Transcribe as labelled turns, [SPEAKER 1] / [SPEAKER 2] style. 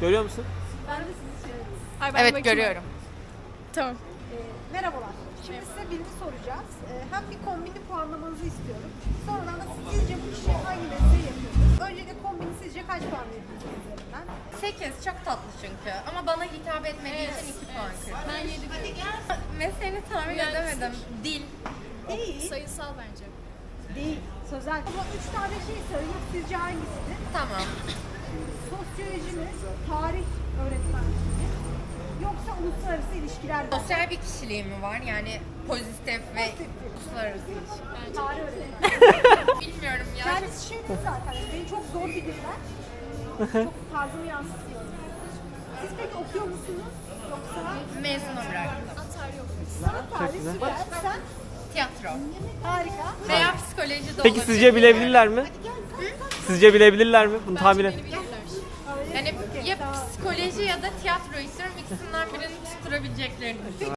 [SPEAKER 1] Görüyor musun?
[SPEAKER 2] Ben de sizi seviyorum.
[SPEAKER 3] Evet görüyorum.
[SPEAKER 2] Tamam. Merhabalar. Şimdi size bilgi soracağız. Hem bir kombini puanlamanızı istiyorum. Sonradan da sizce bu kişi hangi mesleği yapıyordur? Öncelikle kombini sizce kaç puan veriyorsunuz üzerinden?
[SPEAKER 3] 8 çok tatlı çünkü ama bana hitap etmediği için 2 puan kırdım.
[SPEAKER 4] Ben 7
[SPEAKER 3] Mesleğini tahmin edemedim. Dil.
[SPEAKER 2] Değil.
[SPEAKER 4] sayısal bence.
[SPEAKER 2] Değil. Sözel. Ama 3 tane şey söyleyeyim. Sizce hangisidir?
[SPEAKER 3] Tamam.
[SPEAKER 2] Sosyoloji mi? Tarih öğretmenliği mi? Yoksa uluslararası ilişkiler mi?
[SPEAKER 3] Sosyal bir kişiliği mi var? Yani pozitif ve uluslararası ilişki.
[SPEAKER 2] Tarih öğretmenliği.
[SPEAKER 3] Bilmiyorum ya.
[SPEAKER 2] Kendisi şey değil zaten. Beni çok zor bilirler. Çok tarzımı yansıtıyor. Siz peki okuyor musunuz? Yoksa
[SPEAKER 3] Mezuna bıraktım.
[SPEAKER 4] Atar yok.
[SPEAKER 2] sanat tarihi süper. Sen
[SPEAKER 3] Tiyatro.
[SPEAKER 2] harika.
[SPEAKER 3] Veya psikoloji de
[SPEAKER 1] Peki
[SPEAKER 3] olabilir.
[SPEAKER 1] sizce bilebilirler mi? Sizce bilebilirler mi? Bunu tahmin et.
[SPEAKER 4] Beni bilirler.
[SPEAKER 3] Yani ya psikoloji ya da tiyatro istiyorum. İkisinden birini tutturabileceklerini düşünüyorum.